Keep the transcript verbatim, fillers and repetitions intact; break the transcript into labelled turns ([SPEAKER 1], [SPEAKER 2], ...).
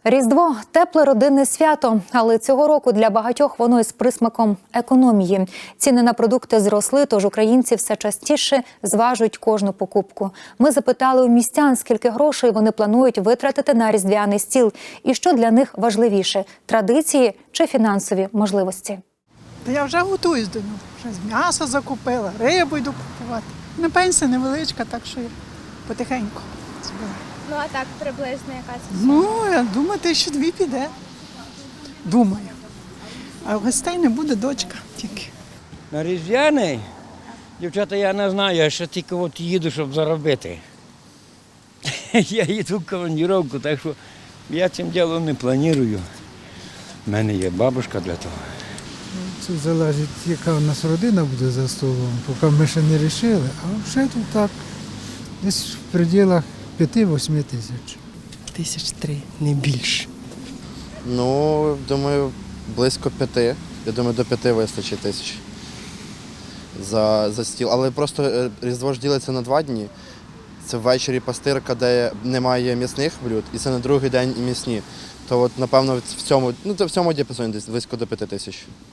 [SPEAKER 1] Різдво – тепле родинне свято, але цього року для багатьох воно із присмаком економії. Ціни на продукти зросли, тож українці все частіше зважують кожну покупку. Ми запитали у містян, скільки грошей вони планують витратити на різдвяний стіл і що для них важливіше – традиції чи фінансові можливості.
[SPEAKER 2] Та я вже готуюсь до нього. Вже з м'яса закупила, рибу йду купувати. На пенсія невеличка, так що я потихеньку збираю.
[SPEAKER 3] Ну, а так приблизно яка це?
[SPEAKER 2] Ну, я думаю, тисячі дві піде. Думаю. А гостей не буде, дочка тільки.
[SPEAKER 4] На Різдвяний, дівчата, я не знаю, я ще тільки от їду, щоб заробити. Я їду в командировку, так що я цим ділом не планую. У мене є бабушка для того.
[SPEAKER 5] Це залежить, яка у нас родина буде за столом, поки ми ще не вирішили, а вже тут так, десь в пределах п'яти-восьми тисяч.
[SPEAKER 6] Тисяч три, не більше.
[SPEAKER 7] Ну, думаю, близько п'яти. Я думаю, до п'яти вистачить тисяч за, за стіл. Але просто е, Різдво ж ділиться на два дні. Це ввечері пастирка, де немає м'ясних блюд, і це на другий день і м'ясні. То от, напевно, в цьому, ну, в цьому діапазоні десь близько до п'яти тисяч.